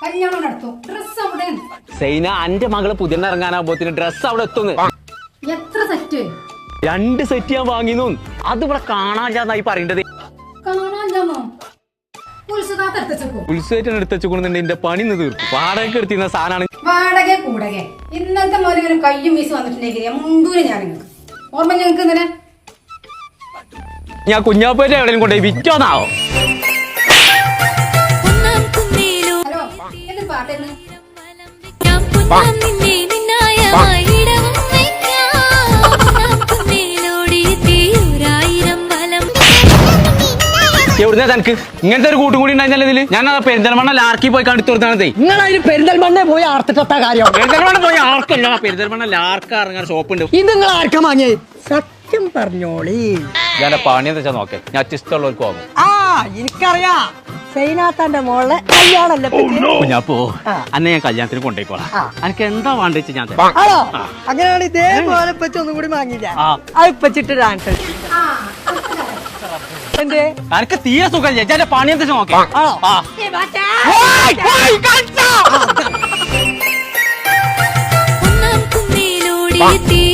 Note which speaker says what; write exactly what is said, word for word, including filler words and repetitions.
Speaker 1: കല്യാണം നടത്തും. ഡ്രസ് അവിടെ
Speaker 2: സൈന അന്റെ മകള് പുതിയ ഇറങ്ങാനാകുമ്പോത്തിന് ഡ്രസ് അവിടെ എത്തുന്നു.
Speaker 1: എത്ര സെറ്റ്?
Speaker 2: രണ്ട് സെറ്റ് ഞാൻ വാങ്ങിന്നു. അത് ഇവിടെ കാണാനില്ലാന്നായി പറയേണ്ടത്.
Speaker 1: കാണാനില്ലാന്നോ?
Speaker 2: ഉത്സവത്തിന് എടുത്തുകൊണ്ടുണ്ട് എന്റെ പണി നിന്ന് തീർക്കും. വാടക എടുത്തിരുന്ന സാധനമാണ്.
Speaker 1: വാടക കൂടക ഇന്നത്തെ മോലിങ്ങനെ കയ്യും വീസ് വന്നിട്ടുണ്ടെങ്കിൽ മുണ്ടൂര് ഞാൻ ഓർമ്മ ഞങ്ങൾക്ക് ഇന്നലെ
Speaker 2: ഞാൻ കുഞ്ഞാപ്പേറ്റ എവിടെയും കൊണ്ടുപോയി വിറ്റോന്നാവോ?
Speaker 1: ഹലോ എന്ത് പാട്ടേന്ന്?
Speaker 2: എവിടുന്ന തനക്ക് ഇങ്ങനത്തെ ഒരു കൂട്ടും കൂടി ഉണ്ടായിരുന്നല്ലോ ഇതില്? ഞാൻ പെരിന്തൽമണ്ണ ലാർക്കി പോയി കണ്ടിട്ട് കൊടുത്താണേ.
Speaker 3: നിങ്ങളതിന് പെരിന്തൽമണ്ണ പോയി ആർത്തിട്ട കാര്യം.
Speaker 2: പെരിന്തൽമണ്ണ പോയി ആർക്കല്ല, പെരിന്തൽമണ്ണ ലാർക്ക് ഇറങ്ങാൻ ഷോപ്പ് ഉണ്ട്.
Speaker 3: ഇത് നിങ്ങൾ ആർക്കാ വാങ്ങിയേ? സത്യം പറഞ്ഞോളി.
Speaker 2: ഞാൻ പണി എന്താ വെച്ചാൽ നോക്കേ, ഞാൻ ഇഷ്ടമുള്ളവർക്ക് വാങ്ങും.
Speaker 3: ആ എനിക്കറിയാം, സൈനാത്താന്റെ മോളെ കല്യാണല്ലേ.
Speaker 2: ഞാൻ പോ അന്നെ ഞാൻ കല്യാണത്തിന് കൊണ്ടുപോയിക്കോളാം. എനിക്ക് എന്താ വേണ്ടിച്ച് ഞാൻ
Speaker 3: ആണോ? അങ്ങനെയാണ് ഇതേപോലെ പറ്റി ഒന്നും കൂടി വാങ്ങില്ല. അത് പച്ചിട്ട് ഡാൻസ് എന്തേ
Speaker 2: എനിക്ക് തീരെ സുഖം. ഞാൻ പണി എന്താ നോക്കേ.
Speaker 4: ഒന്നാം കുന്നിലൂടെ